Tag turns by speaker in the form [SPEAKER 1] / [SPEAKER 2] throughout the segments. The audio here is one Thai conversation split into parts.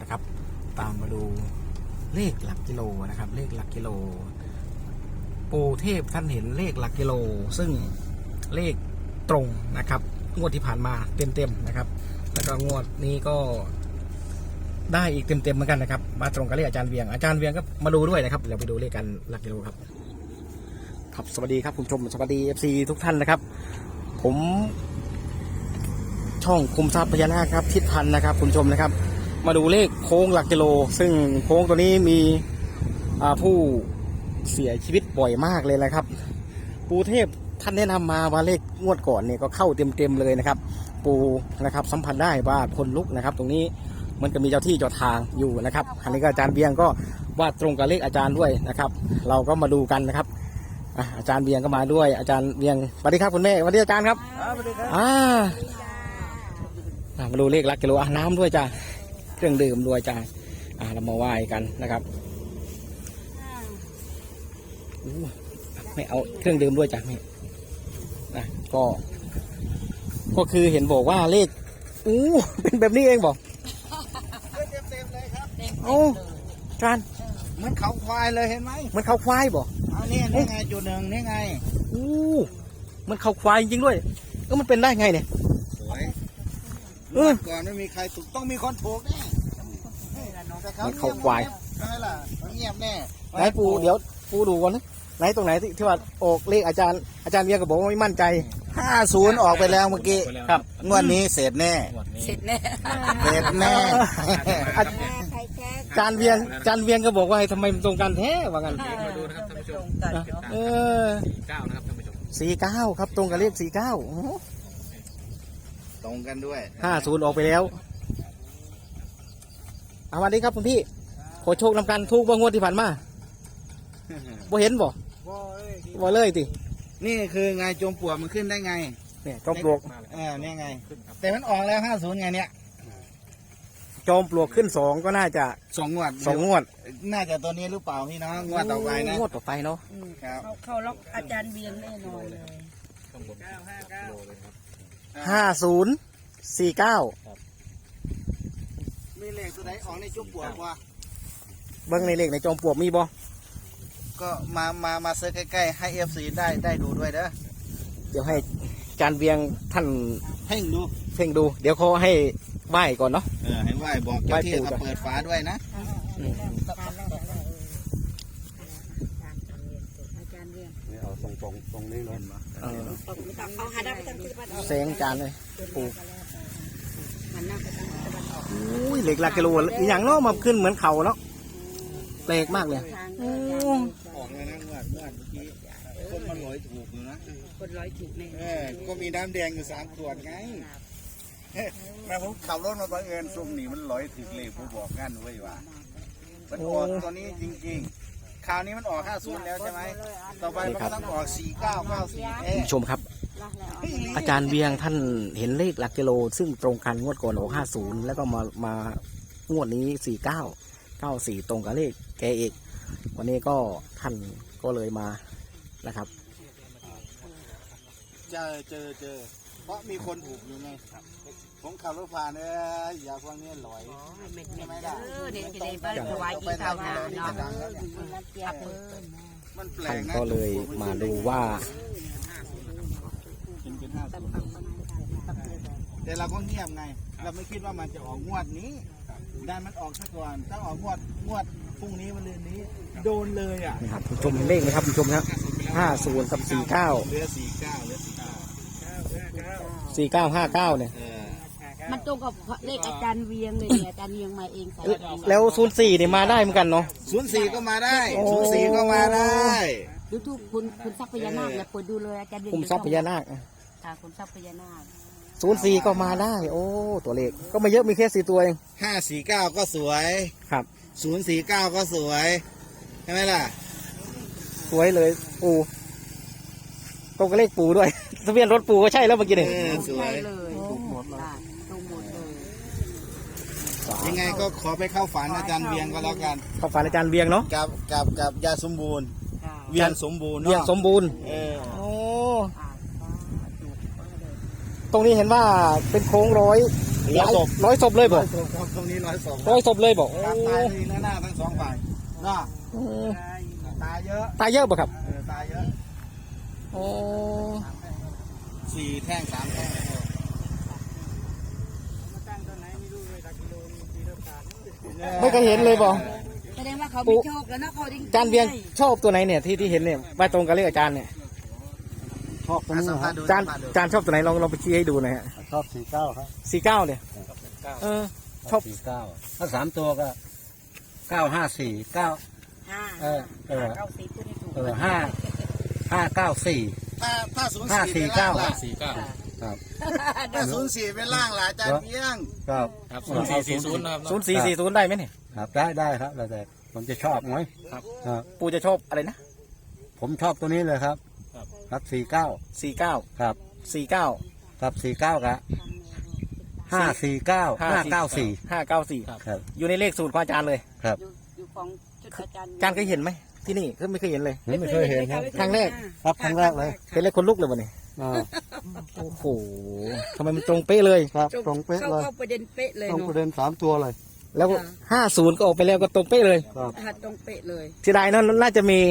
[SPEAKER 1] นะครับตามมาดูเลขหลักกิโลนะครับเลขหลักกิโลปู่เทพท่านเห็นเลขหลักกิโลซึ่งเลขตรงนะครับงวดที่ผ่านมาเต็มๆนะครับแล้วก็งวดนี้ก็ได้อีกเต็มๆเหมือนกันนะครับมาตรงกับเลขอาจารย์เวียงก็มาดูด้วยนะครับเดี๋ยวไปดูเลขกันหลักกิโลครับครับสวัสดีครับคุณผู้ชมสวัสดี FC ทุกท่านนะครับผมช่องคุมทรัพย์พญานาคครับทิศพันธ์นะครับคุณผู้ชมนะครับมาดูเลขโค้งหลักกิโลซึ่งโค้งตัวนี้มีผู้เสียชีวิตบ่อยมากเลยนะครับปู่เทพท่านแนะนำมาว่าเลขงวดก่อนเนี่ยก็เข้าเต็มๆเลยนะครับปู่นะครับสัมผัสได้ว่าคนลุกนะครับตรงนี้มันก็มีเจ้าที่เจ้าทางอยู่นะครับอันนี้ก็อาจารย์เบียงก็ว่าตรงกับเลขอาจารย์ด้วยนะครับเราก็มาดูกันนะครับอาจารย์เบียงก็มาด้วยอาจารย์เบียงสวัสดีครับคุณแม่สวัสดีอาจารย์ครับ
[SPEAKER 2] สวัสดีครับ
[SPEAKER 1] มาดูเลขหลักกิโลน้ำด้วยจ้าเครื่องดื่มด้วยจ้าเรามาไหว้กันนะครับไม่เอาเครื่องดื่มด้วยจ้ะไม่นะก็คือเห็นบอกว่าเลขเป็นแบบนี้เองบอก
[SPEAKER 2] เต็มเลยครับ
[SPEAKER 1] โอ้จาน
[SPEAKER 2] เหมือนเขาควายเลยเห็นไหม
[SPEAKER 1] เหมือนเขาควายบอก
[SPEAKER 2] เอานี่ไงจุดหนึ่งนี่ไง
[SPEAKER 1] เหมือนเขาควายจริงด้วยมันเป็นได้ไงเนี่ย
[SPEAKER 2] สวยก่อนไม่มีใครถูกต้องมีคนถูกแน่
[SPEAKER 1] มันเขาควาย
[SPEAKER 2] ใช่ล่ะเงียบแน่
[SPEAKER 1] ไหนปูเดี๋ยวปูดูก่อนนะไหนตรงไหนที่ว่าออกเลขอาจารย์เบียร์ก็บอกว่าไม่มั่นใจ
[SPEAKER 2] 50ออกไปแล้วเมื่อกี้
[SPEAKER 1] ครับ
[SPEAKER 2] งวดนี้เสร็จแน่
[SPEAKER 3] เสร็จแน่
[SPEAKER 1] อาจารย์เวียงก็บอกว่าทำไมมันตรงกันแท้ว่ากัน
[SPEAKER 3] มาดูนะครับท่านผู้ชม49นะครับท่านผู้ชม
[SPEAKER 1] 49ครับตรงกับเลข49
[SPEAKER 2] ตรงกันด้วย
[SPEAKER 1] 50ออกไปแล้วสวัสดีครับคุณพี่ขอโชคนำกันทุกงวดที่ผ่านมาบ่เห็นบ่เลยติ
[SPEAKER 2] นี่คือไงจมปลวกมันขึ้นได้ไง
[SPEAKER 1] เนี่ยจอมปลวก
[SPEAKER 2] เนี่ยไงแต่มันออกแล้ว50ไงเนี่ย
[SPEAKER 1] จอมปลวกขึ้น2ก็น่าจะ
[SPEAKER 2] 2 งวดน่าจะตัวนี้หรือเปล่าพี่น้องงวดต่อไปนะ
[SPEAKER 1] งวดต่อไปเนาะ
[SPEAKER 3] เขาล็อกอาจารย์เบียงแน่นอนเลย
[SPEAKER 1] 5049
[SPEAKER 2] มีเลขตัวไหนออกในจมปลวกวะ
[SPEAKER 1] เบิ้งในเลขในจอมปลวกมีบ่
[SPEAKER 2] ก็มาเซิร์ชใกล้ๆให้ FC ได้ดูด้วยเด้อ
[SPEAKER 1] เดี๋ยวให้อาจารย์เวียงท่าน
[SPEAKER 2] เพ่ง
[SPEAKER 1] ดูเดี๋ยวเขาให้ไหว้ก่อนเนาะ
[SPEAKER 2] ให้ไหว้บอกเจ้าที่เขาเปิดฝาด้วยนะ
[SPEAKER 3] เอาตรงนี้เลยเอาหันหน้าไปทางทิศตะวันออก
[SPEAKER 1] แสงจานเลยปู
[SPEAKER 3] หันหน้าไปทางทิศตะวันออก
[SPEAKER 1] เหล็กหลักกิโลอย่างเนาะมาขึ้นเหมือนเขาเนาะแปลกมากเลย
[SPEAKER 2] ออกเลยนะเมื่อกี้คนมาลอยถูกอยู่นะ
[SPEAKER 3] คนร้อยถูกแน่
[SPEAKER 2] ก็มีน้ำแดงอยู่3 ขวดไงแม่ผมขับรถมาบังเอิญซุ่มหนีมันลอยถึกเลยผมบอกงั้นไว้ว่ามันออกตัวนี้จริงๆคราวนี้มันออก50แล้วใช่ไหมต่อไปมันต้องออก4994
[SPEAKER 1] ชมครับอาจารย์เวียงท่านเห็นเลขหลักกิโลซึ่งตรงกันงวดก่อนออก50แล้วก็มางวดนี้4994ตรงกับเลขแกเอกวันนี้ก็ท่านก็เลยมานะครับ
[SPEAKER 2] เจอเพราะมีคนถูกอยู่ไงผมขับรถผ่านอย่าพวกนี้ลอย
[SPEAKER 3] ไม่ได้เด็กในบ้านถวายกินข้าวนาเนาะ
[SPEAKER 1] ท่านก็เลยมาดูว่า
[SPEAKER 2] แต่เราก็เงียบไงเราไม่คิดว่ามันจะออกงวดนี้ได้มันออกซะก่อนถ้าออกงวดพรุ่งนี้วันนี้โดนเลยอ่ะ
[SPEAKER 1] ครับชมเลขไหมครับชมครับ50กับ49
[SPEAKER 2] เหลือ
[SPEAKER 1] 4959เนี่ย
[SPEAKER 3] มันตรงกับเลขอาจารย์เวียงเลยเนี่ยอาจารย์เวียงมาเอง
[SPEAKER 1] แล้ว04เนี่ยมาได้เหมือนกันเนาะ
[SPEAKER 2] 04ก็มาได้04ก็มาได้
[SPEAKER 3] ดูทุกคุณทรัพยานาคเนี่ยเปิดดูเลยอาจารย์เวียง
[SPEAKER 1] คุณทรัพยานาค
[SPEAKER 3] คุณทรัพยานาค
[SPEAKER 1] 04ก็มาได้โอ้ตัวเลขก็ไม่เยอะมีแค่4ตัวเอง
[SPEAKER 2] 549ก็สวย
[SPEAKER 1] ครับ
[SPEAKER 2] 049ก็สวยใช่ไหมล่ะ
[SPEAKER 1] สวยเลยปูตรงกับเลขปูด้วยทะเบียนรถปูก็ใช่แล้วเมื่อกี้เนี่ย
[SPEAKER 2] สวย
[SPEAKER 3] เลย
[SPEAKER 2] ถูกหมดเลยยังไงก็ขอไปเข้าฝันอาจารย์เวียงก็แล้วกัน
[SPEAKER 1] เข้าฝันอาจารย์เวียงเนาะ
[SPEAKER 2] กับยาสมบูรณ์เวียงสมบูรณ์
[SPEAKER 1] โอ้ตรงนี้เห็นว่าเป็นโค้งร้อยศพเลยบอก
[SPEAKER 2] ครับตรงนี้100 ศพ
[SPEAKER 1] ร้อยศพเลยบอก
[SPEAKER 2] ตามตายเลยหน้าทั้งสองฝ่ายเนาะตายเยอะ
[SPEAKER 1] ตายเยอะป่ะครับ
[SPEAKER 2] ตายเยอะ
[SPEAKER 1] โอ้
[SPEAKER 2] 4 แท่ง 3 แท่ง
[SPEAKER 1] ไม่เคยเห็นเลยบอก
[SPEAKER 3] แสดงว่าเขาไม่โชคแล้วนะเขาดิ้ง
[SPEAKER 1] จานเบียงชอบตัวไหนเนี่ยที่เห็นเนี่ยไปตรงกับเลขอาจารย์เนี่ย
[SPEAKER 4] ชอบตรงนี้ครับ
[SPEAKER 1] จานชอบตัวไหนลองไปชี้ให้ดูหน่อยฮะ
[SPEAKER 4] ชอบ49ครับ
[SPEAKER 1] 49เนี่ยชอบ
[SPEAKER 4] 49ถ้า3ตัวก็954 9
[SPEAKER 3] 5 9 4ตัวนี้ถูก
[SPEAKER 4] 5594
[SPEAKER 2] ถ้า04
[SPEAKER 4] 549
[SPEAKER 2] ล่ะ
[SPEAKER 4] ครับ
[SPEAKER 2] ถ้า04เป็นล่างล่ะอาจารย์เพียง
[SPEAKER 4] ครับ
[SPEAKER 5] ครับ0440นะครับ
[SPEAKER 1] 0440ได้ไหมเนี่ย
[SPEAKER 4] ครับได้ครับแล้วแต่ผมจะชอบไหมครับ
[SPEAKER 1] ปูจะชอบอะไรนะ
[SPEAKER 4] ผมชอบตัวนี้เลยครับครับ49
[SPEAKER 1] 49
[SPEAKER 4] ครับ
[SPEAKER 1] 49
[SPEAKER 4] ครับ49ครับ549 594
[SPEAKER 1] 594
[SPEAKER 4] ครับ
[SPEAKER 1] อยู่ในเลขสูตรของอาจารย์เลย
[SPEAKER 4] ครับ
[SPEAKER 3] อยู่ของชุดอาจารย์
[SPEAKER 1] อาจารย์เคยเห็นไหมที่นี่ก็ไม่เคยเห็นเลย
[SPEAKER 4] ไม่เคยเห็นครับ
[SPEAKER 1] ครั้งแรก
[SPEAKER 4] ครับครั้งแรกเลย
[SPEAKER 1] เห็นเลยคนลุกเลยวันนี้
[SPEAKER 4] อ่า
[SPEAKER 1] โอ้โหทำไมมันตรงเป๊ะเลย
[SPEAKER 4] ครับตรงเป๊ะเลย
[SPEAKER 3] เข้าประเด็นเป๊ะเลย
[SPEAKER 4] ตรง
[SPEAKER 3] เนาะ
[SPEAKER 4] ประเด็น3ตัวเลย
[SPEAKER 1] แล้ว50ก็ออกไปแล้วก็ตรงเป๊ะเลย
[SPEAKER 4] ครับ
[SPEAKER 3] ตรงเป๊ะเลย
[SPEAKER 1] เสียดายนะน่าจะมี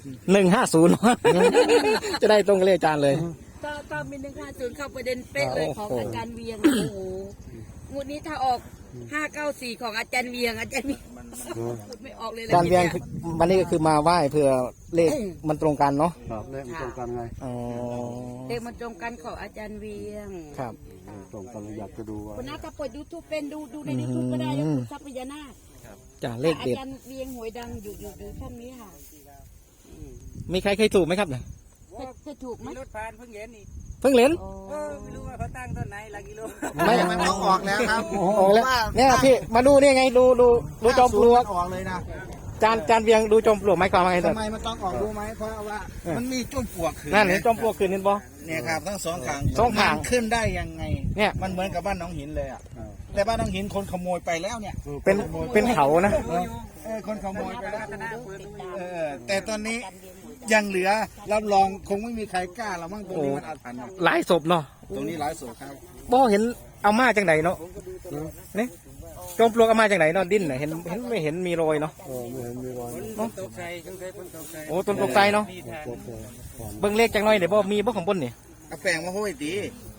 [SPEAKER 1] 150 จะได้ตรงกับเลขอาจารย์เลย
[SPEAKER 3] ถ้ามี150เข้าประเด็นเป๊ะเลยของอาจารย์เวียงโอ้โหงวดนี้ถ้าออก594ของอาจารย์เวียงพูดไม่ออกเลย
[SPEAKER 1] อาจารย์เวียงวันนี้ก็คือมาไหว้เพื่อเลขมันตรงกันเนาะ
[SPEAKER 4] ครับเลขมันตรงกันไง
[SPEAKER 1] อ๋อ
[SPEAKER 3] เลขมันตรงกันของอาจารย์เวียง
[SPEAKER 1] ครับ
[SPEAKER 4] ตรงกันเลยอยากจะดูว่า
[SPEAKER 3] คนน่าจะเปิด YouTube เป็นดูใน YouTube ก็ได้แล้วคุณทรัพยานาค
[SPEAKER 1] จ้ะเลข
[SPEAKER 3] อา
[SPEAKER 1] เด็ด
[SPEAKER 3] จารย์เวียงหวยดังอยู่ช่องนี้ค่ะ
[SPEAKER 1] มีใครเคยถูกไหมครับเนี่ย
[SPEAKER 3] จะถูกไหม
[SPEAKER 5] รถผ่านเพิ่งเห็นนี่
[SPEAKER 1] เพิ่งเล่น
[SPEAKER 5] ไม่รู้ว่าเขาตั้งต้นไหนหลักกิโล
[SPEAKER 1] ไม่
[SPEAKER 2] มันต้องออกแล้วครับ
[SPEAKER 1] ออกแล้วเนี่ยพี่มาดูนี่ไงดูจอมปลวก
[SPEAKER 2] ออกเลยนะ
[SPEAKER 1] จานเวียงดูจอมปลวกไหมความว่าไง
[SPEAKER 2] ทำไมมันต้องออกรู้ไหมเพราะว่ามันมีจุดปลวกขึ้น
[SPEAKER 1] นั่นเห็นจอมปลวกคืนเห็นบ่
[SPEAKER 2] เนี่ยครับทั้งสองข้าง
[SPEAKER 1] สองข้าง
[SPEAKER 2] มันขึ้นได้ยังไง
[SPEAKER 1] เนี่ย
[SPEAKER 2] มันเหมือนกับบ้านหน้องหินเลยอ่ะแต่บ้านหน้องหินคนขโมยไปแล้วเนี่ย
[SPEAKER 1] เป็นเขานะ
[SPEAKER 2] คนขโมยไปแล้วแต่ตอนนี้ยังเหลือรับรองคงไม่มีใครกล้าแล้วมั้งตรงนี้มันอาถรรพ์
[SPEAKER 1] หลายศพเนาะ
[SPEAKER 2] ตรงนี้หลายศพครับ
[SPEAKER 1] บ่เห็นเอามาจังไหนเนาะนี่จอมปลวกเอามาจังไหนเนาะดิ้นน่ะเห็นไม่เห็นมีรอยเนาะ
[SPEAKER 4] ไม่เห็นมีรอย
[SPEAKER 5] ตกใจสงสัยคนตกใจ
[SPEAKER 1] โอ้ต้นตกใจเนาะเบิ่งเลขจังหน่อยเดี๋ยวบ่มีบ่ของบนนี่
[SPEAKER 2] เอาแป้งมาห้อยตี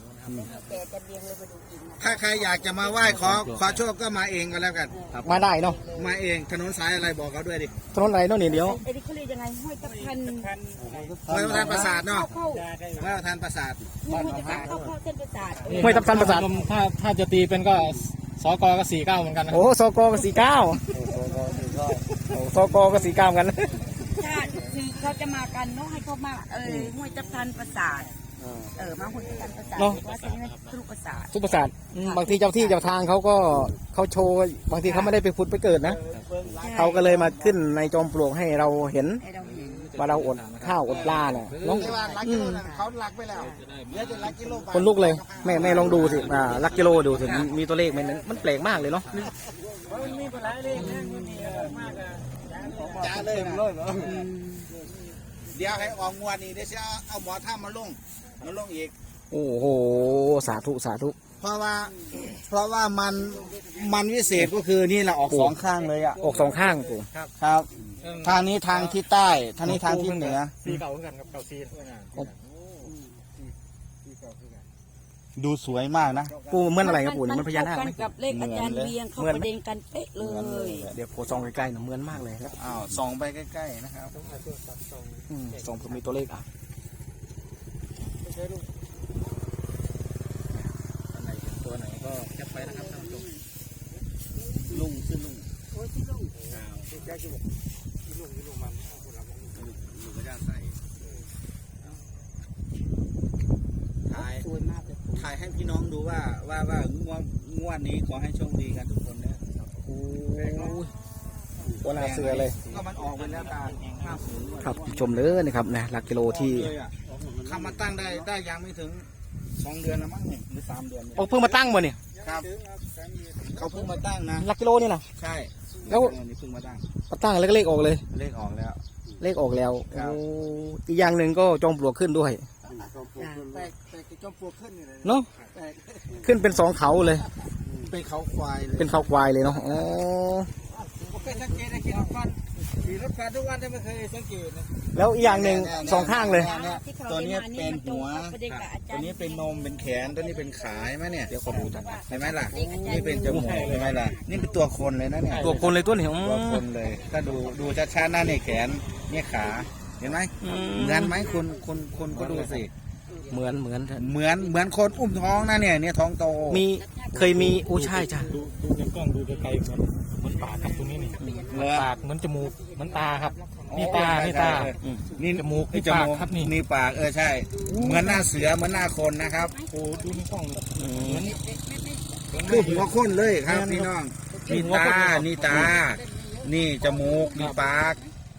[SPEAKER 2] ถ้าใครอยากจะมาไหว้ขอโชคก็มาเองก็แล้วกัน
[SPEAKER 1] มาได้เนาะ
[SPEAKER 2] มาเองถนนสายอะไรบอกเขาด้วยดิ
[SPEAKER 1] ถนนอะไรเนาะนี่เดี๋ยว
[SPEAKER 3] ไอ้นี่เขาเรียกยังไงห้อยตะพัน
[SPEAKER 2] ห้วยประธานประสาทเนาะ
[SPEAKER 3] เข้า
[SPEAKER 2] ห้วยประธานประสาท
[SPEAKER 3] ห้อยตะพันเข้าเส้นประสาท
[SPEAKER 1] ห้วยทับทันประสาท
[SPEAKER 5] ถ้าจะตีเป็นก็สกก็49เหมือนกันนะ
[SPEAKER 1] โอ้สกก็49โอ้สกก็49เหมือนกัน
[SPEAKER 3] ถ้าคือเขาจะมากันเนาะให้เขามาห้วยตะพันประสาทมาห้วยตะพันประสาทว่าจะให้ทะลุประสาท
[SPEAKER 1] สุประสาทบางทีเจ้าที่เจ้าทางเขาก็เขาโชว์บางทีเขาไม่ได้ไปผุดไปเกิดนะเขาก็เลยมาขึ้นในจอมปลวกให้เราเห็น
[SPEAKER 3] ให้เราเห็น
[SPEAKER 1] ว่าเราอดข้าวอดปลาเนี่ยเนาะ
[SPEAKER 2] แต่ว่าลักกิโลนั่นเขาลักไปแล้วเหลือแต่ลักกิโลไป
[SPEAKER 1] คนลุกเลยแม่ลองดูสิลักกิโลดูสิมีตัวเลขไหมนั้นมันแปลกมากเลยเนาะ
[SPEAKER 5] มันมีหลายเลขนะมันมีมากอ่ะ
[SPEAKER 2] จ้าเลยนะเดี๋ยวให้ออกงวดนี้เดี๋ยวจะเอาหมอท่ามาลงอีก
[SPEAKER 1] โอ้โหสาธุสาธุ
[SPEAKER 2] เพราะว่ามันวิเศษก็คือนี่แหละออกสองข้างเลยอ่ะ
[SPEAKER 1] ออกสองข้างปู่
[SPEAKER 2] ครับ ทางนี้ทางที่ใต้ทางนี้ทางที่เหนือ
[SPEAKER 5] สีเก่าเหมือนกันกับเก่าซีน
[SPEAKER 2] ดูสวยมากนะ
[SPEAKER 1] ปู่เหมือนอะไรครับปู่เนี่ยมันพญานาคไหม
[SPEAKER 3] กับเลขอาจารย์เวียงเข้าประเด็นกันเป๊ะเลย
[SPEAKER 1] เดี๋ยวโพส่องใกล้ๆหน่อยเหมือนมากเลยครับ
[SPEAKER 2] อ้าวส่องไปใกล้ๆนะครับ
[SPEAKER 1] ส่องผมมีตัวเลขอ่ะอันไหนเป็นตัวไหนก็แคปไปนะครับท่านผู้ชม
[SPEAKER 2] ลุงชื่อลุง
[SPEAKER 5] ที่แจ๊คที่บอกลุงมันคนละ
[SPEAKER 2] ลุงก็จะใส่ถ่าย
[SPEAKER 3] สวยมากเลย
[SPEAKER 2] ถ่ายให้พี่น้องดูว่างวดนี้ขอให้โชคดีกันทุกคนนะ
[SPEAKER 1] โอ้ยตัวหนาเสือเลย
[SPEAKER 2] ก็มันออกไปแล้วตา50
[SPEAKER 1] ครับชมเลยนะครับนะหลักกิโลที่
[SPEAKER 2] เลยอ่ะทำมาตั้งได้ยังไม่ถึง2 เดือนนะมั้งเนี่ยหรือ3 เดือนเนี่ย
[SPEAKER 1] โอ้เพิ่งมาตั้งมาเนี่ย
[SPEAKER 2] ครับเขาเพิ่งมาตั้งนะ
[SPEAKER 1] หลักกิโลนี่นะ
[SPEAKER 2] ใช่
[SPEAKER 1] แล้ว
[SPEAKER 2] นี่เพิ่งมาตั้ง
[SPEAKER 1] มาตั้งแล้วก็เลขออกเลย
[SPEAKER 2] เลขออกแล้ว
[SPEAKER 1] เลขออกแล้ว
[SPEAKER 2] ครับ
[SPEAKER 1] โอ้อีกอย่างหนึ่งก็จอมปลวกขึ้นด้วย
[SPEAKER 2] แต่จอมปลวกขึ้นนี่เลย
[SPEAKER 1] เนาะ
[SPEAKER 2] แต่
[SPEAKER 1] ขึ้นเป็น2เขาเลย
[SPEAKER 2] เป็นเขาควายเลย
[SPEAKER 1] เป็นเขาควายเลยเนาะอ๋อ
[SPEAKER 5] ผมเคยสังเกตนะขี่รถฟันทุกวันแต่ไม่เคยสังเกตนะ
[SPEAKER 1] แล้วอีกอย่างหนึ่งสองข้างเลย
[SPEAKER 2] ตัวนี้เป็นหัว ตัวนี้เป็นนมเป็นแขนตัวนี้เป็นขาใช่ไหมเนี่ยเดี๋ยวขอดูเห็นไหมล่ะนี่เป็นจมูกเห็นไหมล่ะนี่เป็นตัวคนเลยนะเนี่ย
[SPEAKER 1] ตัวคนเลยตัวนี้อื
[SPEAKER 2] ตัวค
[SPEAKER 1] ม
[SPEAKER 2] นเลยถ้าดูชัดๆหน้าเนี่ยแขนเนี่ยขาเห็นไหม
[SPEAKER 1] อืม
[SPEAKER 2] เหมือนไหมคุณก็ดูสิ
[SPEAKER 1] เหมือน
[SPEAKER 2] เหมือนคนอุ้มท้องนะเนี่ยท้องโต
[SPEAKER 1] มีเคยมีอู้ใช่จ้ะ
[SPEAKER 5] ดูในกล้องดูไกลๆเหมือนปากครับตรงนี้นี่
[SPEAKER 2] เหมือน
[SPEAKER 5] ปากเหมือนจมูกเหมือนตาครับนี่ตานี่ตา
[SPEAKER 2] นี่
[SPEAKER 5] จมูก
[SPEAKER 2] นี่
[SPEAKER 5] นี่
[SPEAKER 2] จ
[SPEAKER 5] ปาก
[SPEAKER 2] มูก
[SPEAKER 5] ครับนี่
[SPEAKER 2] นี่ปากใช่ เหมือนหน้าเสือเหมือนหน้าคนนะครับ
[SPEAKER 5] โอ้ดูในกล้อง
[SPEAKER 1] อืม
[SPEAKER 5] เหมือน
[SPEAKER 2] คือหัวคนเลยครับพี่น้อง
[SPEAKER 5] คือ
[SPEAKER 2] นี่
[SPEAKER 5] หัว
[SPEAKER 2] ตา
[SPEAKER 5] คนเลย
[SPEAKER 2] นี่ตา นี่จมูกนี่ปาก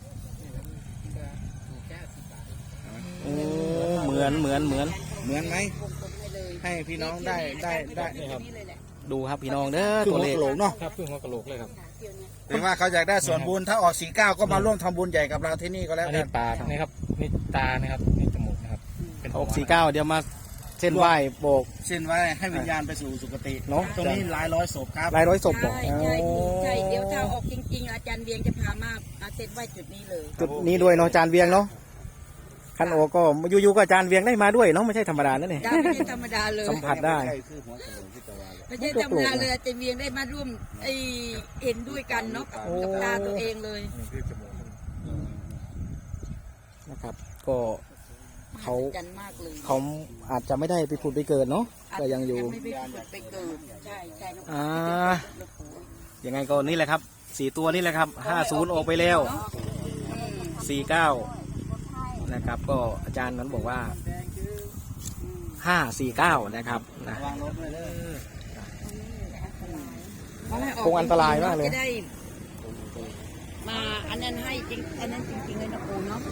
[SPEAKER 1] โอ้เหมือน
[SPEAKER 2] เหมือนไหมให้พี่น้องได้
[SPEAKER 5] นี่ครับ
[SPEAKER 1] ดูครับพี่น้องเด้อ
[SPEAKER 2] คือ
[SPEAKER 1] ตัว
[SPEAKER 2] หัว
[SPEAKER 1] เลข
[SPEAKER 2] กะโหลกเนาะ
[SPEAKER 5] ครับเพื่อนหัวกะโหลกเลยครับ
[SPEAKER 2] ถึงว่าเขาอยากได้ส่วนบุญถ้าออก49ก็มาร่วมทำบุญใหญ่กับเราที่นี่ก็แล้ว
[SPEAKER 5] อัน
[SPEAKER 2] กั
[SPEAKER 5] นี้
[SPEAKER 2] น
[SPEAKER 5] ปากนี่ครับนี่ตานะครับนี่จมูกนะครับเป็นหัว
[SPEAKER 1] 649เดี๋ยวมาเส้นไหว้โบก
[SPEAKER 2] เส้นไว้ให้วิญญาณไปสู่สุคติ
[SPEAKER 1] เนาะ
[SPEAKER 2] ตรงนี้หลายร้อยศพครับ
[SPEAKER 1] หลายร้อยศพบอก
[SPEAKER 3] ใช่ใช่เดี๋ยวถ้าออกจริงๆอาจารย์เวียงจะพามาเสร็จไว้จุดนี้เลย
[SPEAKER 1] จุดนี้ด้วยเนาะอาจารย์เวียงเนาะคันโอก็อยู่ๆก็อาจารย์เวียงได้มาด้วยเนาะไม่ใช่ธรรมดานั่นเอง
[SPEAKER 3] ได้ไม่ใช่ธรรมดาเลย
[SPEAKER 1] สัมผัสได้
[SPEAKER 2] ใช่คือหัวกะโหลกที่ตะวัน
[SPEAKER 3] ไม่ใช่ธรรมดาเลยอาจารย์เวียงได้มาร่วมเห็นด้วยกันเนาะกับตาตัวเองเลย
[SPEAKER 5] นี่คือจมูก
[SPEAKER 1] นะครับ ก็เขา
[SPEAKER 3] จันมากเลย
[SPEAKER 1] เขาอาจจะไม่ได้ไปผุดไปเกิดเนาะก็ยังอยู่
[SPEAKER 3] ไม่ไปผุดไปเกิดใช่ใช่น้อง
[SPEAKER 1] อ่า ยังไงก็นี่แหละครับ4 ตัวนี่แหละครับ50ออกไปแล้ว49นะครับ ก็อาจารย์นั้นบอกว่า549นะครับนะ
[SPEAKER 2] วางรถด้วยเด้อ
[SPEAKER 1] คงอันตรายมากเลย
[SPEAKER 3] จะได้มาอันนั้นให้จริงอันนั้นจริงๆเลยนะปูเนาะ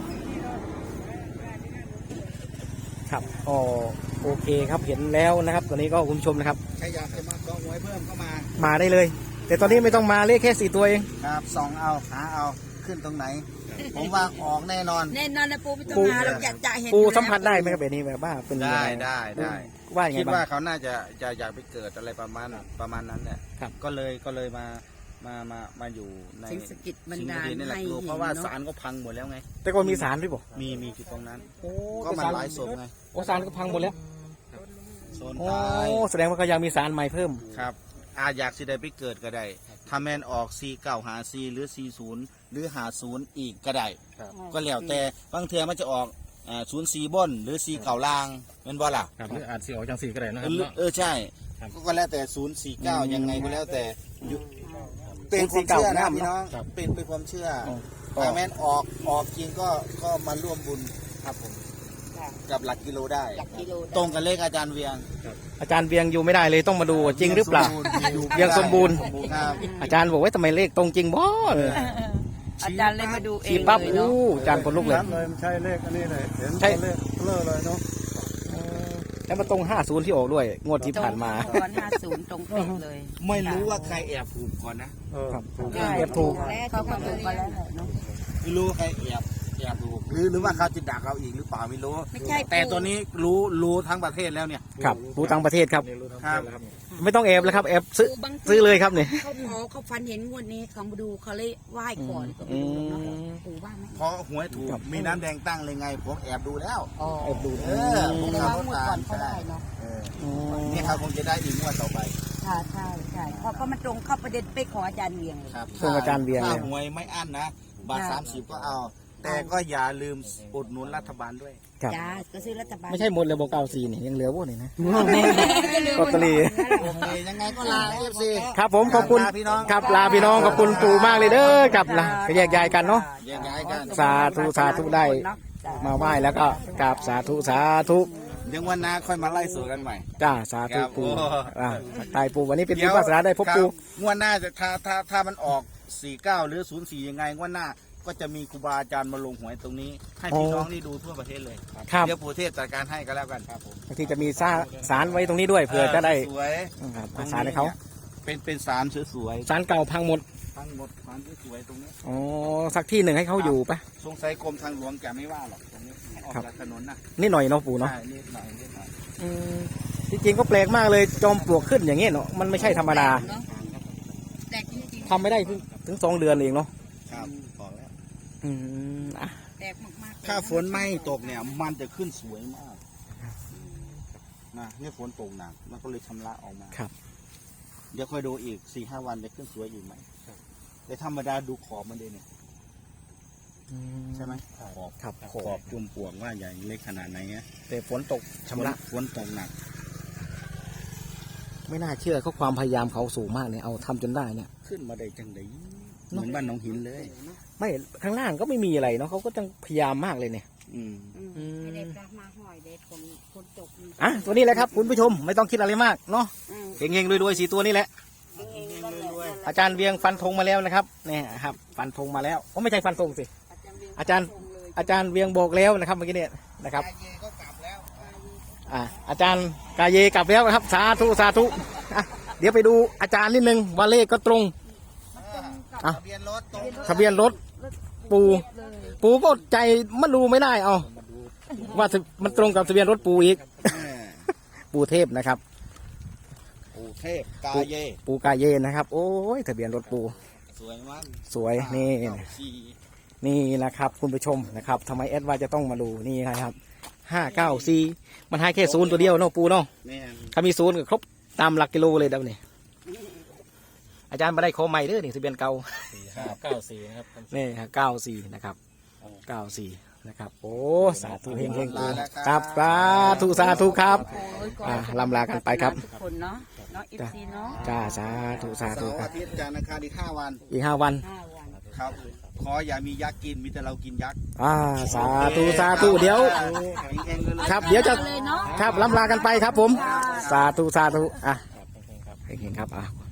[SPEAKER 1] ครับอ๋อโอเคครับเห็นแล้วนะครับตอนนี้ก็คุณผู้ชมนะครับ
[SPEAKER 2] ใครอยากจะมาก็หวยเพิ่มเข้ามา
[SPEAKER 1] มาได้เลย แต่ตอนนี้ไม่ต้องมาเลขแค่4 ตัวเอง
[SPEAKER 2] ครับส่องเอาหาเอาขึ้นตรงไหน ผมว่าออกแน่นอน
[SPEAKER 3] แน่นอนนะปูไม่ต้อง
[SPEAKER 1] ปู
[SPEAKER 3] มาเราจะเห็น
[SPEAKER 1] ปูสัมผัสได้ไหมครับแบบนี้แบบว่าเป็นยัง
[SPEAKER 2] ได้
[SPEAKER 1] ไง
[SPEAKER 2] ได้
[SPEAKER 1] ว่ายังไง
[SPEAKER 2] คิด
[SPEAKER 1] บ้า
[SPEAKER 2] ว่าง เขาน่าจะอยากไปเกิดอะไรประมาณนั้นแหละ
[SPEAKER 1] ครับ
[SPEAKER 2] ก็เลยมาอยู่ใน
[SPEAKER 3] สิ่งสะกิดบันดาล
[SPEAKER 2] สิ่งที่นี่แหละ
[SPEAKER 3] ให้
[SPEAKER 2] คือ
[SPEAKER 3] เห็น
[SPEAKER 2] เพราะว่า
[SPEAKER 3] เนาะ
[SPEAKER 2] ศาลก็พังหมดแล้วไง
[SPEAKER 1] แต่ก็มีสารด้วยบ่
[SPEAKER 2] มีอยู่ตรงนั้น
[SPEAKER 1] โอ้
[SPEAKER 2] ก็มันหลายศพไง
[SPEAKER 1] โอ้สารก็พังหมดแล้ว
[SPEAKER 2] โซน
[SPEAKER 1] โอ้
[SPEAKER 2] ตาย
[SPEAKER 1] แสดงว่าก็ยังมีสารใหม่เพิ่ม
[SPEAKER 2] ครับอยากสิได้ไปเกิดก็ได้ถ้าแมนออก49หา4หรือ40หรือ50อีกก็ได้ ก็แล้วแต่บางเทือมันจะออก04บนหรือ4เก่าล่างเป็นบ่ล่ะ
[SPEAKER 5] ครับหรืออาจสีออกจังสีก็ได้นะครับ
[SPEAKER 2] ใช่
[SPEAKER 5] ครับ
[SPEAKER 2] ก็แล้วแต่049ยังไงก็แล้วแต่อยู่เป็นความเชื่อนะพี่น้อง
[SPEAKER 5] ครับ
[SPEAKER 2] เป็นความเชื่อ
[SPEAKER 1] ก็
[SPEAKER 2] ถ้าแม่นออกจริงก็มาร่วมบุญครับผมกับหลักกิโลได้
[SPEAKER 3] หลักกิโล
[SPEAKER 2] ตรงกับเลขอาจารย์เวียง
[SPEAKER 1] อาจารย์เวียงอยู่ไม่ได้เลยต้องมาดูจริงหรือเปล่า ยังสมบูรณ์
[SPEAKER 2] ครับ
[SPEAKER 1] อาจารย์บอกว่าทำไมเลขตรงจริงบ่เออ
[SPEAKER 3] อาจารย์เลยมาดูเอ
[SPEAKER 1] ชี้
[SPEAKER 3] ง
[SPEAKER 1] ปั๊บ
[SPEAKER 3] เลยเนาะ
[SPEAKER 1] อู้อาจารย์คนลุกเลย
[SPEAKER 4] ชัดเลยมันใช่เลขอันนี้เลยเห็น
[SPEAKER 1] ใช่
[SPEAKER 4] ตัวเลขเบลอเลยเนาะ
[SPEAKER 1] แล้วมาตรง50ที่ออกด้วย งวดที่ผ่านมา
[SPEAKER 3] ตอน50ตรงเป๊ะเลย
[SPEAKER 2] ไม่รู้ว่าใครแอบถูกก่อนนะ
[SPEAKER 1] ครับ
[SPEAKER 3] ใช่
[SPEAKER 1] เก็บถูก
[SPEAKER 3] เขาก็ถูกกันแล้วแหละเนาะ
[SPEAKER 2] ไม่รู้ว่าใครแอบถูกหรือว่าเขาจะดักเราอีกหรือเปล่าไม่รู้
[SPEAKER 3] ไม่ใช่
[SPEAKER 2] แต่ตัวนี้รู้ทั้งประเทศแล้วเนี่ย
[SPEAKER 1] ครับรู้ต่างประเทศครับ
[SPEAKER 2] ครับ
[SPEAKER 1] ไม่ต้องแอบแล้วครับแอบซื้อเลยครับเนี่ย
[SPEAKER 3] เขาฟันเห็นงวดนี้เขามาดูเขาเลยไหว้ก่อนก็
[SPEAKER 1] อื
[SPEAKER 3] ไม่รู้เนาะ
[SPEAKER 1] ม
[SPEAKER 3] ปู่ว่าไหม
[SPEAKER 2] เพราะหวยถูกมีน้ำแดงตั้งเลยไงผมแอบดูแล้ว
[SPEAKER 1] แอบดู
[SPEAKER 2] เออ
[SPEAKER 3] แสดงว่างวดก่อนเขาได้เนาะ
[SPEAKER 2] นี่เขาคงจะได้อีกงวดต่อไป
[SPEAKER 3] ใช่ใช่ใช่เพราะก็มันตรงเข้าประเด็นไปขออาจารย์เวียงเลย
[SPEAKER 2] ครับ
[SPEAKER 1] ช่วงอาจารย์เวียง
[SPEAKER 2] ถ้า
[SPEAKER 1] เลย
[SPEAKER 2] หวยไม่อั้นนะบาท
[SPEAKER 3] ค่ะ
[SPEAKER 2] 30ก็เอา แต่ก็อย่าลืมอุดหนุนรัฐบาลด้วย
[SPEAKER 1] ครับ
[SPEAKER 3] จ้าก็ซื้อรัฐบาล
[SPEAKER 1] ไม่ใช่หมดเลยบอก94นี่ยังเหลือพวกนี้นะลอตเตอรี่
[SPEAKER 2] โอเคยังไงก็ลาเอฟซี
[SPEAKER 1] ครับผมขอบคุณ
[SPEAKER 2] ลาพี่น้อง
[SPEAKER 1] ครับลาพี่น้องขอบคุณปู่มากเลยเด้อกับละก็แยกย้ายกันเนาะ
[SPEAKER 2] แยกย้ายกัน
[SPEAKER 1] สาธุได้ มาไหว้แล้วก็กราบสาธุ
[SPEAKER 2] เดี๋ยววันหน้าค่อยมาไล่สู่กันใหม่
[SPEAKER 1] จ้าสาธุ
[SPEAKER 2] ครับ
[SPEAKER 1] ปู่
[SPEAKER 2] โอ้
[SPEAKER 1] ตายปู่วันนี้เป็นบุญวาสนาได้พบปู่
[SPEAKER 2] งวดหน้าจะถ้ามันออก49หรือ04ยังไงงวดหน้าก็จะมีครูบาอาจารย์มาลงหวยตรงนี้ ให้พี่น้องนี่ดูทั่วประเทศเลย
[SPEAKER 1] ครับ
[SPEAKER 2] เดี๋ยวปู่เทพจัดการให้ก็แล้วกันครับผม
[SPEAKER 1] บางทีจะมีสารไว้ตรงนี้ด้วยเผื่อจะได้
[SPEAKER 2] สวย
[SPEAKER 1] ครับอาสารให้เขา
[SPEAKER 2] เป็นสารสวย
[SPEAKER 1] สารเก่าพังหมด
[SPEAKER 2] ๆทั้งหมดสารสวยๆตรงนี้
[SPEAKER 1] อ๋อสักที่หนึ่งให้เขาอยู่ปะ
[SPEAKER 2] สงสัยกรมทางหลวงจะไม่ว่าหรอกตรงนี้ให้อออก
[SPEAKER 1] ครับ
[SPEAKER 2] จากถนนนะ
[SPEAKER 1] นิดหน่อยเนาะปู่เนาะ
[SPEAKER 2] ใช่นิดหน่อยนิดหน่อย
[SPEAKER 1] อืมจริงๆก็แปลกมากเลยจอมปลวกขึ้นอย่างเงี้ยเนาะมันไม่ใช่ธรรมดา
[SPEAKER 3] เนอะแปลกจริง
[SPEAKER 1] ทำไม่ได้ถึง2 เดือนเองเนาะ
[SPEAKER 2] ครับบอกแล้ว
[SPEAKER 1] อืมอ่ะ
[SPEAKER 3] ๆแปลกมากๆเลย
[SPEAKER 2] ถ้าฝนไม่ตกเนี่ยมันจะขึ้นสวยมากนะนี่ฝนตกหนักมันก็เลยชำระออกมา
[SPEAKER 1] ครับ
[SPEAKER 2] เดี๋ยวค่อยดูอีก4-5 วันจะขึ้นสวยอีกไหมแต่ธรรมดาดูขอบมันเลยเนี่ยใช่ไหมขอบ
[SPEAKER 1] ครับ
[SPEAKER 2] ขอบจุ่มปลวกว่าใหญ่เล็กขนาดไหนเงี้ย
[SPEAKER 1] แต่ฝนตกชำระ
[SPEAKER 2] ฝนตกหนัก
[SPEAKER 1] ไม่น่าเชื่อเขาความพยายามเขาสูงมากเนี่ยเอาทำจนได้เนี่ย
[SPEAKER 2] ขึ้นมาได้จังไดเหมือนบ้านหนองหินเลย
[SPEAKER 1] ไม่ข้างล่างก็ไม่มีอะไรเนาะเขาก็ต้องพยายามมากเลยเนี่ย
[SPEAKER 2] อืม
[SPEAKER 3] ไม่ได้ปลามาหอยเด็ดคนตกนี่
[SPEAKER 1] อ่ะตัวนี้แหละครับคุณผู้ชมไม่ต้องคิดอะไรมากเนาะ
[SPEAKER 3] อืม
[SPEAKER 1] เฮงๆรวยๆ4 ตัวนี้แหละ
[SPEAKER 3] เองๆนั่นแหละ
[SPEAKER 1] อาจารย์เวียงฟันธงมาแล้วนะครับเนี่ยครับฟันธงมาแล้วโอ้ไม่ใช่ฟันธงสิ อาจารย์ อาจารย์เวียงบอกแล้วนะครับเมื่อกี้เนี่ยนะครับ
[SPEAKER 2] เยก็กลับแล้ว
[SPEAKER 1] อาจารย์กาเยกลับแล้วนะครับสาธุสาธุอ่ะเดี๋ยวไปดูอาจารย์นิดนึงว่าเลขก็ตรงอ่ะ
[SPEAKER 2] ทะเบียนรถตรง
[SPEAKER 1] ทะเบียนรถปูก็ใจมันดูไม่ได้เอาว่ามันตรงกับทะเบียนรถปูอีก ปูเทพนะครับ
[SPEAKER 2] ปู่เทพกาเย
[SPEAKER 1] ปูกาเยนะครับ โอ้ยทะเบียนรถปู
[SPEAKER 2] สวยมาก
[SPEAKER 1] สวยนี่
[SPEAKER 2] สี่
[SPEAKER 1] นี่นะครับคุณผู้ชมนะครับทำไมแอดว่าจะต้องมาดูนี่นะครับ594มันให้แค่0ตัวเดียวเนาะปูเนาะ
[SPEAKER 2] แม่น
[SPEAKER 1] ถ้ามี0ก็ครบตามหลักกิโลเลยเดี๋ยวนี้อาจารย์มาได้ขอใหม่เด้อนี่ทะเบียนเก่า
[SPEAKER 5] 94นะครับ
[SPEAKER 1] นี่ฮะ94นะครับ94นะครับ โอ้สาธุเฮงๆปู
[SPEAKER 2] ลาแล้ว
[SPEAKER 1] ครับสาธุสาธุครับ
[SPEAKER 3] โอ้ยขอ
[SPEAKER 1] ลำลากันไปครับ
[SPEAKER 3] ทุกคนเนาะเนาะอีซีเนาะ
[SPEAKER 1] จ้าสาธุสา
[SPEAKER 2] เสา
[SPEAKER 1] ธุ
[SPEAKER 2] ร์
[SPEAKER 1] ครั
[SPEAKER 2] อา
[SPEAKER 1] บ
[SPEAKER 2] ทิตย์จันทร์อังคารอีก5 วัน
[SPEAKER 1] อีก5 วัน
[SPEAKER 3] 5 วัน
[SPEAKER 2] ครับ ขออย่ามียักษ์กินมีแต่เรากินยักษ์
[SPEAKER 1] สาธุสาธุเดี๋ยว
[SPEAKER 2] เองๆเลย
[SPEAKER 1] ครับ เดี๋ยวจะ
[SPEAKER 3] เลยเนาะ
[SPEAKER 1] ครับลำลากันไปครับผม สาธุสาธุอ่ะเฮงๆครับอ่ะ